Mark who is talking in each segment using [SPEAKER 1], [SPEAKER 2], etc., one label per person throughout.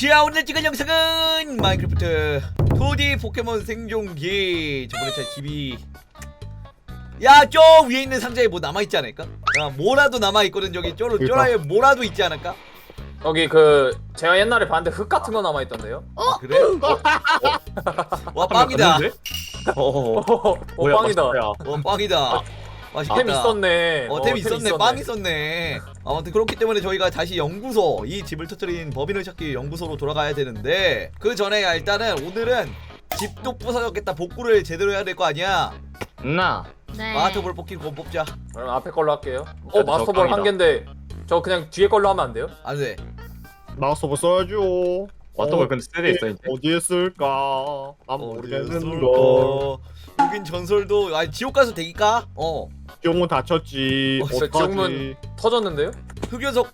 [SPEAKER 1] 자, 오늘 찍은 영상은 마인크래프트 2D 포켓몬 생존기. 저번에 제 집이 저 위에 있는 상자에 뭐 남아있지 않을까? 야, 뭐라도 남아있거든. 저기 쪼라에 뭐라도 있지 않을까?
[SPEAKER 2] 여기 제가 옛날에 봤는데 흙 같은 거 남아있던데요?
[SPEAKER 1] 아, 그래? 와, 빵이다.
[SPEAKER 2] 뭐야,
[SPEAKER 3] 빵이다.
[SPEAKER 1] 빵이다. 맛있겠다.
[SPEAKER 2] 템 있었네.
[SPEAKER 1] 템 있었네. 빵 있었네. 아무튼 그렇기 때문에 저희가 다시 연구소, 이 집을 터뜨린 범인을 찾기 연구소로 돌아가야 되는데, 그 전에 일단은 오늘은 집도 부서졌겠다. 복구를 제대로 해야 될 거 아니야.
[SPEAKER 4] 네.
[SPEAKER 1] 마스터볼 뽑기고 뽑자.
[SPEAKER 2] 그럼 앞에 걸로 할게요.
[SPEAKER 3] 저
[SPEAKER 2] 마스터볼
[SPEAKER 3] 깡이다.
[SPEAKER 2] 한 개인데 저 그냥 뒤에 걸로 하면 안 돼요?
[SPEAKER 1] 안 돼.
[SPEAKER 5] 마우스볼 써야죠.
[SPEAKER 3] 왔던 근데 세대 있어 이제.
[SPEAKER 5] 어디에 쓸까? 난 모르겠는데.
[SPEAKER 1] 여긴 전설도 지옥 가서 대기까?
[SPEAKER 5] 지옥문 닫혔지.
[SPEAKER 2] 진짜
[SPEAKER 5] 어떡하지?
[SPEAKER 2] 지옥문 터졌는데요?
[SPEAKER 1] 흑연석.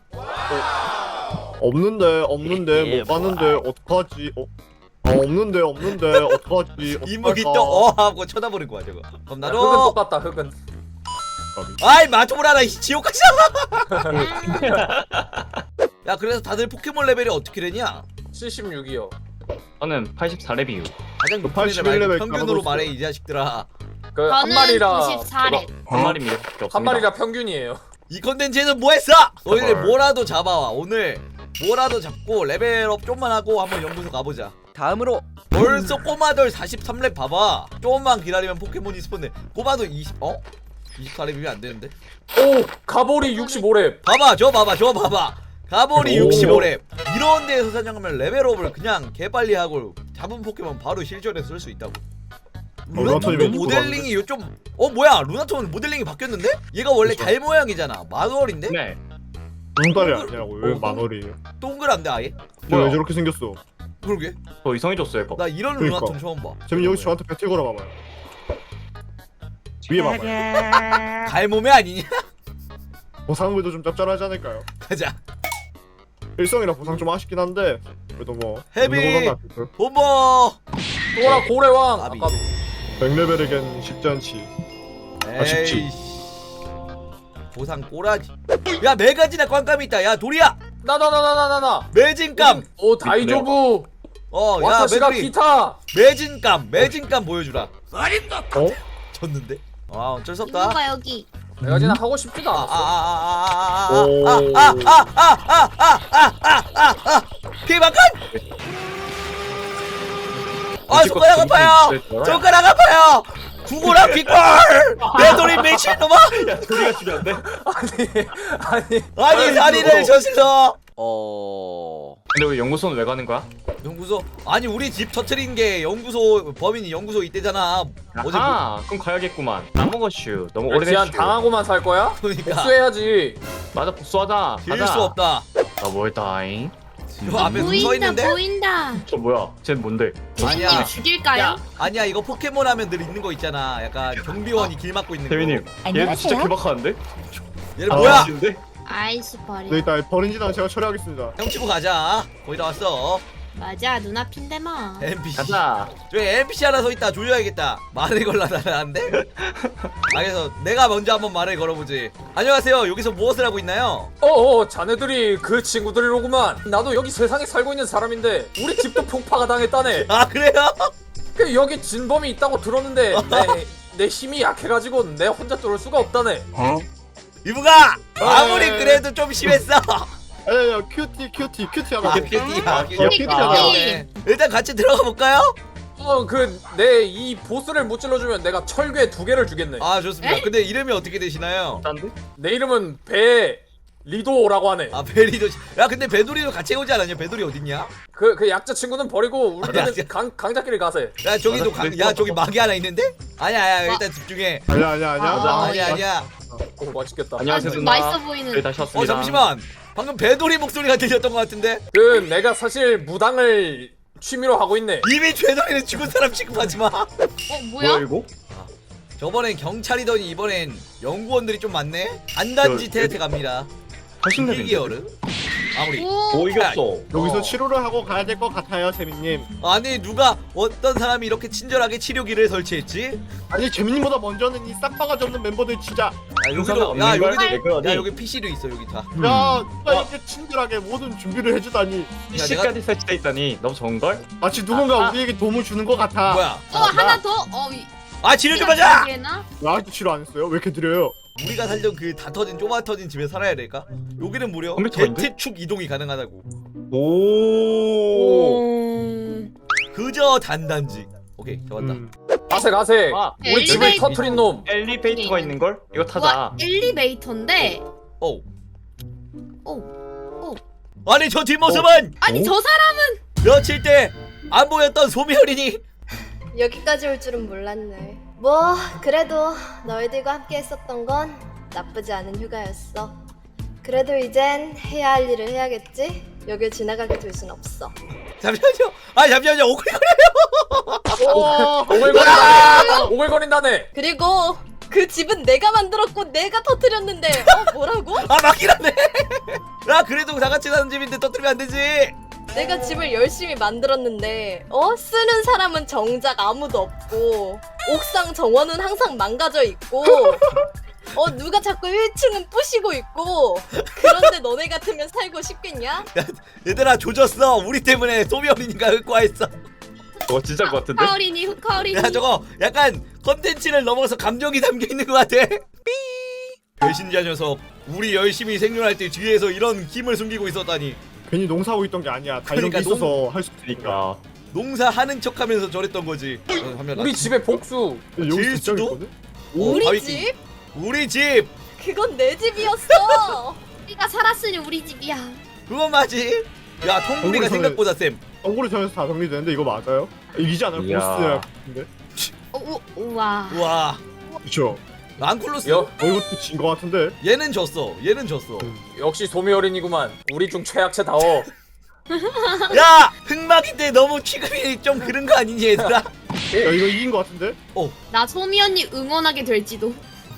[SPEAKER 5] 없는데 못 가는데 어떡하지? 없는데 어떡하지?
[SPEAKER 1] 이목이
[SPEAKER 5] 어떡할까?
[SPEAKER 1] 또 하고 쳐다보는 거야 저거. 그럼
[SPEAKER 2] 흙은
[SPEAKER 1] 나도.
[SPEAKER 2] 똑같다. 흙은.
[SPEAKER 1] 맞춰보라. 나 지옥 가자. 야, 그래서 다들 포켓몬 레벨이 어떻게 되냐?
[SPEAKER 2] 76이요.
[SPEAKER 3] 저는 84렙이요.
[SPEAKER 1] 가장 높은
[SPEAKER 5] 81
[SPEAKER 1] 애들 말고
[SPEAKER 5] 레벨
[SPEAKER 1] 평균으로
[SPEAKER 5] 까먹었어.
[SPEAKER 1] 말해 이 자식들아.
[SPEAKER 2] 한
[SPEAKER 4] 저는
[SPEAKER 2] 마리라
[SPEAKER 4] 94렙.
[SPEAKER 3] 한 마리면 이렇게 없습니다.
[SPEAKER 2] 한 마리라 평균이에요.
[SPEAKER 1] 이 컨텐츠에는 뭐했어? 너희들 뭐라도 잡아와. 오늘 뭐라도 잡고 레벨업 좀만 하고 한번 연구소 가보자. 다음으로 벌써 꼬마돌 43렙 봐봐. 조금만 기다리면 포켓몬이 스폰돼. 꼬마돌 24렙이면 안 되는데?
[SPEAKER 2] 오! 가보리 65렙.
[SPEAKER 1] 봐봐, 저 봐봐. 가보리
[SPEAKER 5] 오.
[SPEAKER 1] 65렙. 이런 데에서 사냥하면 레벨업을 그냥 개빨리 하고 잡은 포켓몬 바로 실전에 쓸 수 있다고. 루나톤
[SPEAKER 5] 루나톤이
[SPEAKER 1] 모델링이 요좀 뭐야? 루나톤 모델링이 바뀌었는데? 얘가 원래 달 모양이잖아. 마누얼인데?
[SPEAKER 3] 네.
[SPEAKER 5] 눈달이 아니라고 왜 만월이에요?
[SPEAKER 1] 동그란데 아예?
[SPEAKER 5] 쟤 왜 저렇게 생겼어?
[SPEAKER 1] 그러게.
[SPEAKER 3] 더 이상해졌어요 이거.
[SPEAKER 1] 나 이런
[SPEAKER 5] 그러니까.
[SPEAKER 1] 루나톤 처음 봐.
[SPEAKER 5] 재민 여기 저한테 배틀 걸어봐봐요. 위에 봐봐요.
[SPEAKER 1] 갈몸에 아니냐?
[SPEAKER 5] 보상물도 좀 짭짤하지 않을까요?
[SPEAKER 1] 가자.
[SPEAKER 5] 일성이라 보상 좀 아쉽긴 한데 그래도 뭐
[SPEAKER 1] 헤비!
[SPEAKER 5] 있는 거보단 낫겠죠.
[SPEAKER 1] 본보.
[SPEAKER 2] 또라 고래왕.
[SPEAKER 1] 아비.
[SPEAKER 2] 아까
[SPEAKER 5] 100레벨에겐 쉽지 않지.
[SPEAKER 3] 아쉽지.
[SPEAKER 1] 에이씨. 보상 꼬라지. 야, 메가지나 꽝감이 있다. 야, 도리야.
[SPEAKER 2] 나.
[SPEAKER 1] 매진감.
[SPEAKER 2] 오 다이조부.
[SPEAKER 1] 야,
[SPEAKER 2] 와타시가
[SPEAKER 1] 메가리.
[SPEAKER 2] 기타.
[SPEAKER 1] 매진감 보여주라.
[SPEAKER 5] 어?
[SPEAKER 1] 졌는데? 어쩔 수 없다.
[SPEAKER 4] 누가 여기?
[SPEAKER 2] 내가 진짜 하고 싶지도 않았어.
[SPEAKER 1] 피해만간! 손가락 아파요! 손가락 아파요! 구구랑 빅볼! 내 돌이 미친놈아!
[SPEAKER 3] 야 소리가 중요한데?
[SPEAKER 2] 아니.
[SPEAKER 1] 아니, 살인을 저질러!
[SPEAKER 3] 근데 왜 연구소는 왜 가는 거야?
[SPEAKER 1] 연구소? 아니, 우리 집 터트린 게 연구소, 범인이 연구소 있대잖아. 어제
[SPEAKER 3] 아하 그럼 가야겠구만. 나먹었슈. 너무
[SPEAKER 2] 지한
[SPEAKER 3] 오래됐슈.
[SPEAKER 2] 당하고 살 거야?
[SPEAKER 1] 그러니까.
[SPEAKER 2] 복수해야지.
[SPEAKER 3] 맞아 복수하자.
[SPEAKER 1] 질 수 없다.
[SPEAKER 3] 나 뭘다잉?
[SPEAKER 1] 저 앞에 서
[SPEAKER 4] 보인다
[SPEAKER 1] 있는데?
[SPEAKER 4] 보인다.
[SPEAKER 3] 저 뭐야? 쟤 뭔데?
[SPEAKER 1] 아니야.
[SPEAKER 4] 재민님 죽일까요?
[SPEAKER 1] 아니야, 이거 포켓몬 하면 늘 있는 거 있잖아. 약간 경비원이 길 막고 있는 거.
[SPEAKER 3] 태민님. 얘 진짜 개박하는데?
[SPEAKER 1] 얘는 뭐야?
[SPEAKER 3] 진데?
[SPEAKER 4] 아이씨 버리.
[SPEAKER 5] 네, 일단 버린 지는 제가 처리하겠습니다.
[SPEAKER 1] 형 치고 가자. 거의 다 왔어.
[SPEAKER 4] 맞아 눈앞인데 뭐.
[SPEAKER 1] NPC.
[SPEAKER 3] 가자.
[SPEAKER 1] 저기 NPC 하나 서 있다. 조져야겠다. 말을 걸라다는데. 그래서 내가 먼저 한번 말을 걸어보지. 안녕하세요. 여기서 무엇을 하고 있나요?
[SPEAKER 2] 자네들이 그 친구들이로구만. 나도 여기 세상에 살고 있는 사람인데 우리 집도 폭파가 당했다네.
[SPEAKER 1] 아, 그래요?
[SPEAKER 2] 그 여기 진범이 있다고 들었는데 내 힘이 약해가지고 내 혼자 뚫을 수가 없다네.
[SPEAKER 1] 이브가 아무리 그래도 좀 심했어.
[SPEAKER 5] 아니야 큐티 하나.
[SPEAKER 1] 큐티야.
[SPEAKER 5] 귀엽다.
[SPEAKER 1] 일단 같이 들어가 볼까요?
[SPEAKER 2] 내 이 보스를 못 찔러주면 내가 철괴 2개를 주겠네.
[SPEAKER 1] 아, 좋습니다. 근데 이름이 어떻게 되시나요?
[SPEAKER 3] 딴데?
[SPEAKER 2] 내 이름은 리도라고 하네.
[SPEAKER 1] 아, 베리도. 야, 근데 배돌이도 같이 오지 않았냐? 배돌이 어딨냐?
[SPEAKER 2] 그 약자 친구는 버리고
[SPEAKER 1] 약자.
[SPEAKER 2] 우리는 강자끼리 가세.
[SPEAKER 1] 야, 저기도
[SPEAKER 3] 맞아,
[SPEAKER 1] 야, 저기 막이 하나 있는데? 아니야, 일단 집중해.
[SPEAKER 5] 아니야.
[SPEAKER 1] 아니야.
[SPEAKER 2] 오 맛있겠다.
[SPEAKER 3] 안녕하세요
[SPEAKER 4] 좀
[SPEAKER 3] 누나.
[SPEAKER 4] 맛있어 보이는.
[SPEAKER 3] 저희 다시 왔습니다.
[SPEAKER 1] 잠시만. 방금 배돌이 목소리가 들렸던 것 같은데?
[SPEAKER 2] 그 내가 사실 무당을 취미로 하고 있네.
[SPEAKER 1] 이미 배돌이는 죽은 사람 취급하지 마.
[SPEAKER 4] 뭐야?
[SPEAKER 3] 이거?
[SPEAKER 1] 저번엔 경찰이더니 이번엔 연구원들이 좀 많네? 안단지
[SPEAKER 3] 저,
[SPEAKER 1] 테레테 갑니다.
[SPEAKER 3] 80레벨인데?
[SPEAKER 1] 일기어르? 아무리.
[SPEAKER 4] 오.
[SPEAKER 1] 야,
[SPEAKER 5] 여기서 치료를 하고 가야 될 것 같아요, 재민님.
[SPEAKER 1] 아니 누가 어떤 사람이 이렇게 친절하게 치료기를 설치했지?
[SPEAKER 5] 아니 재민님보다 먼저는 이 싹바가지 없는 멤버들 진짜.
[SPEAKER 1] 야
[SPEAKER 3] 의사가
[SPEAKER 1] 여기도
[SPEAKER 3] 없는
[SPEAKER 1] 야
[SPEAKER 3] 걸?
[SPEAKER 1] 여기도
[SPEAKER 3] 왜 그러니?
[SPEAKER 1] 야 여기 PC도 있어 여기 다.
[SPEAKER 5] 야 누가 이렇게 친절하게 모든 준비를 해주다니.
[SPEAKER 3] PC까지 설치돼 있다니 너무 좋은 걸?
[SPEAKER 5] 마치 누군가 우리에게 도움을 주는 것 같아.
[SPEAKER 1] 뭐야?
[SPEAKER 4] 하나 더.
[SPEAKER 1] 아 치료 좀 하자.
[SPEAKER 4] 나
[SPEAKER 5] 왜 아직도 치료 안 했어요? 왜 이렇게 느려요?
[SPEAKER 1] 우리가 살던 그 다 터진 좁아 터진 집에 살아야 될까? 여기는 무려
[SPEAKER 3] 컴퓨터인데?
[SPEAKER 1] 제트축 이동이 가능하다고.
[SPEAKER 3] 오.
[SPEAKER 1] 그저 단단지. 오케이 잡았다.
[SPEAKER 2] 가세 가세.
[SPEAKER 3] 아,
[SPEAKER 2] 우리 집을
[SPEAKER 4] 엘리베이터.
[SPEAKER 2] 터트린 놈.
[SPEAKER 3] 엘리베이터가 있는 걸? 이거 타자.
[SPEAKER 4] 와 엘리베이터인데.
[SPEAKER 1] 오.
[SPEAKER 4] 오.
[SPEAKER 1] 아니 저 뒷모습은
[SPEAKER 4] 아니 저 사람은
[SPEAKER 1] 며칠 때 안 보였던 소미혈이니?
[SPEAKER 6] 여기까지 올 줄은 몰랐네. 뭐 그래도 너희들과 함께 했었던 건 나쁘지 않은 휴가였어. 그래도 이젠 해야 할 일을 해야겠지? 여길 지나가게 둘 순 없어.
[SPEAKER 1] 잠시만요. 아 잠시만요. 오글거려.
[SPEAKER 2] 오글거린다. 오글거린다네.
[SPEAKER 6] 그리고 그 집은 내가 만들었고 내가 터뜨렸는데 뭐라고?
[SPEAKER 1] 아 맞긴 하네. 야 그래도 다 같이 사는 집인데 터뜨리면 안 되지.
[SPEAKER 6] 내가 집을 열심히 만들었는데 쓰는 사람은 정작 아무도 없고 옥상 정원은 항상 망가져 있고 누가 자꾸 1층은 부시고 있고 그런데 너네 같으면 살고 싶겠냐?
[SPEAKER 1] 얘들아 조졌어. 우리 때문에 소미혈이니까 흑과했어.
[SPEAKER 3] 진짜 것 같은데?
[SPEAKER 4] 후카오리니.
[SPEAKER 1] 야 저거 약간 컨텐츠를 넘어서 감정이 담겨있는 것 같아. 삐 배신자 녀석. 우리 열심히 생존할 때 뒤에서 이런 힘을 숨기고 있었다니.
[SPEAKER 5] 괜히 농사하고 있던 게 아니야. 다 이런 게
[SPEAKER 1] 그러니까
[SPEAKER 5] 있어서 할 수 있으니까.
[SPEAKER 3] 그러니까.
[SPEAKER 1] 농사하는 척하면서 저랬던 거지.
[SPEAKER 2] 우리 집에 복수.
[SPEAKER 5] 여기
[SPEAKER 1] 질
[SPEAKER 5] 진짜
[SPEAKER 1] 수도?
[SPEAKER 5] 있거든?
[SPEAKER 6] 우리
[SPEAKER 1] 바위킹.
[SPEAKER 6] 집?
[SPEAKER 1] 우리 집.
[SPEAKER 6] 그건 내 집이었어.
[SPEAKER 4] 우리가 살았으니 우리 집이야.
[SPEAKER 1] 그건 맞지. 야 통구리가
[SPEAKER 5] 얼굴이
[SPEAKER 1] 생각보다 셈.
[SPEAKER 5] 정보를 전해서 다 정리되는데 이거 맞아요? 이기지 않아요?
[SPEAKER 3] 이야.
[SPEAKER 5] 보스야 같은데?
[SPEAKER 4] 우와.
[SPEAKER 1] 우와.
[SPEAKER 5] 그쵸?
[SPEAKER 1] 랑쿨로스.
[SPEAKER 5] 이것도 진 거 같은데?
[SPEAKER 1] 얘는 졌어. 얘는 졌어.
[SPEAKER 2] 역시 소미어린이구만. 우리 중 최약체다워.
[SPEAKER 1] 야 흑막인데 너무 취급이 좀 그런 거 아니니 얘들아?
[SPEAKER 5] 야 이거 이긴 거 같은데?
[SPEAKER 4] 나 소미 언니 응원하게 될지도.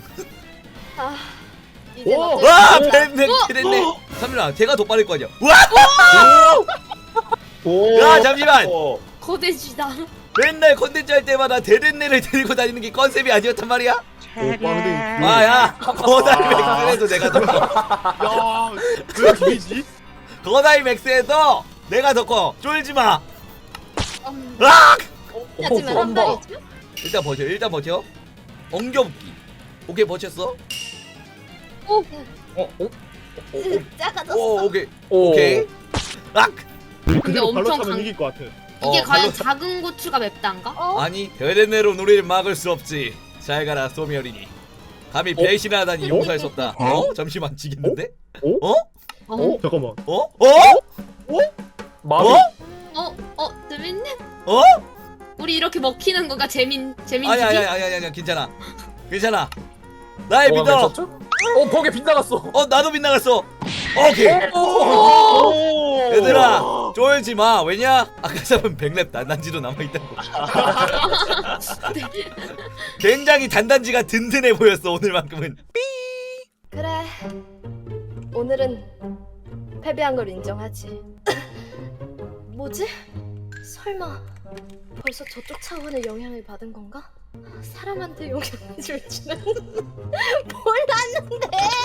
[SPEAKER 6] 이제
[SPEAKER 5] 오!
[SPEAKER 6] 어쩔
[SPEAKER 1] 와
[SPEAKER 6] 수 없다.
[SPEAKER 1] 뱀뱀 그랬네. 삼일아 걔가 더 빠를 거 아니야. 우와.
[SPEAKER 3] 오.
[SPEAKER 1] 야 잠시만.
[SPEAKER 4] 거대지다.
[SPEAKER 1] 맨날 컨텐츠 할 때마다 대댄내를 데리고 다니는 게 컨셉이 아니었단 말이야?
[SPEAKER 5] 빵댕이.
[SPEAKER 1] 아야 거다이 맥스에도 내가 더 커.
[SPEAKER 5] 야, 왜 비리지?
[SPEAKER 1] 거다이 맥스에도 내가 더 커. 쫄지 마.
[SPEAKER 4] 음.
[SPEAKER 1] 아!
[SPEAKER 6] 하지만 한 발이죠?
[SPEAKER 1] 일단 버텨. 일단 버텨. 엉겨붙기. 오케이 버텼어.
[SPEAKER 6] 작아졌어.
[SPEAKER 1] 오 오케이.
[SPEAKER 2] 오.
[SPEAKER 1] 오케이. 악.
[SPEAKER 5] 그대로 발로
[SPEAKER 4] 엄청
[SPEAKER 5] 차면
[SPEAKER 4] 강-
[SPEAKER 5] 이길 것 같아.
[SPEAKER 4] 이게 과연
[SPEAKER 1] 발로-
[SPEAKER 4] 작은 고추가 맵단가?
[SPEAKER 1] 아니 대댄내로 우리를 막을 수 없지. 잘 가라 소미어리니. 감히 배신하다니 용서할 수 없다. 잠시만 지겠는데?
[SPEAKER 5] 잠깐만.
[SPEAKER 2] 마비.
[SPEAKER 4] 재밌네.
[SPEAKER 1] 어?
[SPEAKER 4] 우리 이렇게 먹히는 거가 재민집이?
[SPEAKER 1] 아니 괜찮아. 괜찮아. 나의
[SPEAKER 2] 뭐가
[SPEAKER 1] 믿어.
[SPEAKER 2] 맺혔죠? 벽에 빗나갔어.
[SPEAKER 1] 나도 빗나갔어. 오케이.
[SPEAKER 2] 오.
[SPEAKER 1] 얘들아 쫄지 마. 왜냐? 아까 잡은 100렙 단단지도 남아있다고. 굉장히 단단지가 든든해 보였어 오늘만큼은.
[SPEAKER 6] 그래. 오늘은 패배한 걸 인정하지. 뭐지? 설마 벌써 저쪽 차원의 영향을 받은 건가? 사람한테 영향을 줄지는 몰랐는데.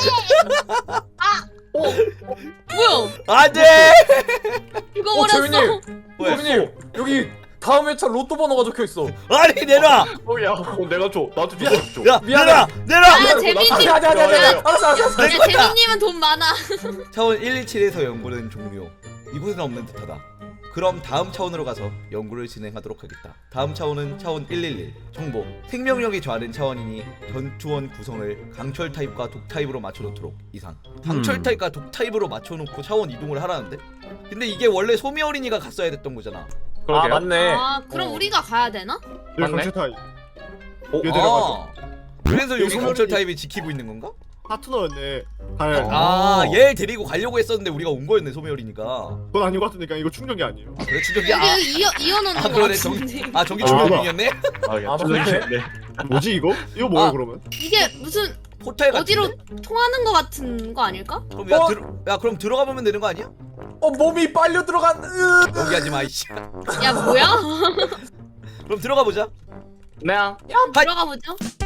[SPEAKER 4] 뭐야?
[SPEAKER 1] 안돼.
[SPEAKER 4] 죽어버렸어.
[SPEAKER 2] 재민님.
[SPEAKER 1] 뭐야?
[SPEAKER 2] 재민님 여기 다음 회차 로또 번호가 적혀 있어.
[SPEAKER 1] 아니 내놔.
[SPEAKER 3] 야, 내가 줘. 나도 줘. 나도 줘.
[SPEAKER 1] 야
[SPEAKER 2] 미안해.
[SPEAKER 1] 내놔.
[SPEAKER 4] 야 재민님.
[SPEAKER 2] 아니. 알았어.
[SPEAKER 4] 야 재민님은 돈 많아.
[SPEAKER 1] 차원 117에서 연구는 종료. 이곳에는 없는 듯하다. 그럼 다음 차원으로 가서 연구를 진행하도록 하겠다. 다음 차원은 차원 111. 정보. 생명력이 저하된 차원이니 전투원 구성을 강철 타입과 독 타입으로 맞춰놓도록 이상. 강철 타입과 독 타입으로 맞춰놓고 차원 이동을 하라는데? 근데 이게 원래 소미 어린이가 갔어야 됐던 거잖아.
[SPEAKER 2] 아 맞네.
[SPEAKER 4] 그럼 우리가 가야 되나?
[SPEAKER 5] 여기
[SPEAKER 3] 맞네?
[SPEAKER 5] 강철 타입.
[SPEAKER 1] 아,
[SPEAKER 5] 내려가죠.
[SPEAKER 1] 그래서 여기
[SPEAKER 5] 소미
[SPEAKER 1] 강철
[SPEAKER 5] 어린이-
[SPEAKER 1] 타입이 지키고 있는 건가?
[SPEAKER 5] 파트너였네. 갈.
[SPEAKER 1] 얘 데리고 가려고 했었는데 우리가 온 거였네 소미 어린이가.
[SPEAKER 5] 그건 아닌 것 같으니까 이거 충격이 아니에요.
[SPEAKER 1] 그래 충격이야.
[SPEAKER 4] 여기 이어놓는 거
[SPEAKER 1] 그러네
[SPEAKER 4] 같은데.
[SPEAKER 1] 전기 충격 중이었네.
[SPEAKER 3] 아, 야,
[SPEAKER 2] 아,
[SPEAKER 3] 네.
[SPEAKER 5] 뭐지 이거? 이거 뭐야
[SPEAKER 1] 아.
[SPEAKER 5] 그러면?
[SPEAKER 4] 이게 무슨
[SPEAKER 1] 호텔 같은데?
[SPEAKER 4] 어디로 통하는 거 같은 거 아닐까?
[SPEAKER 1] 그럼 야 그럼 들어가 보면 되는 거 아니야?
[SPEAKER 2] 몸이 빨려 들어간.
[SPEAKER 1] 여기 하지 마 이씨.
[SPEAKER 4] 야 뭐야?
[SPEAKER 1] 그럼 들어가 보자.
[SPEAKER 3] 네.
[SPEAKER 4] 들어가 보죠.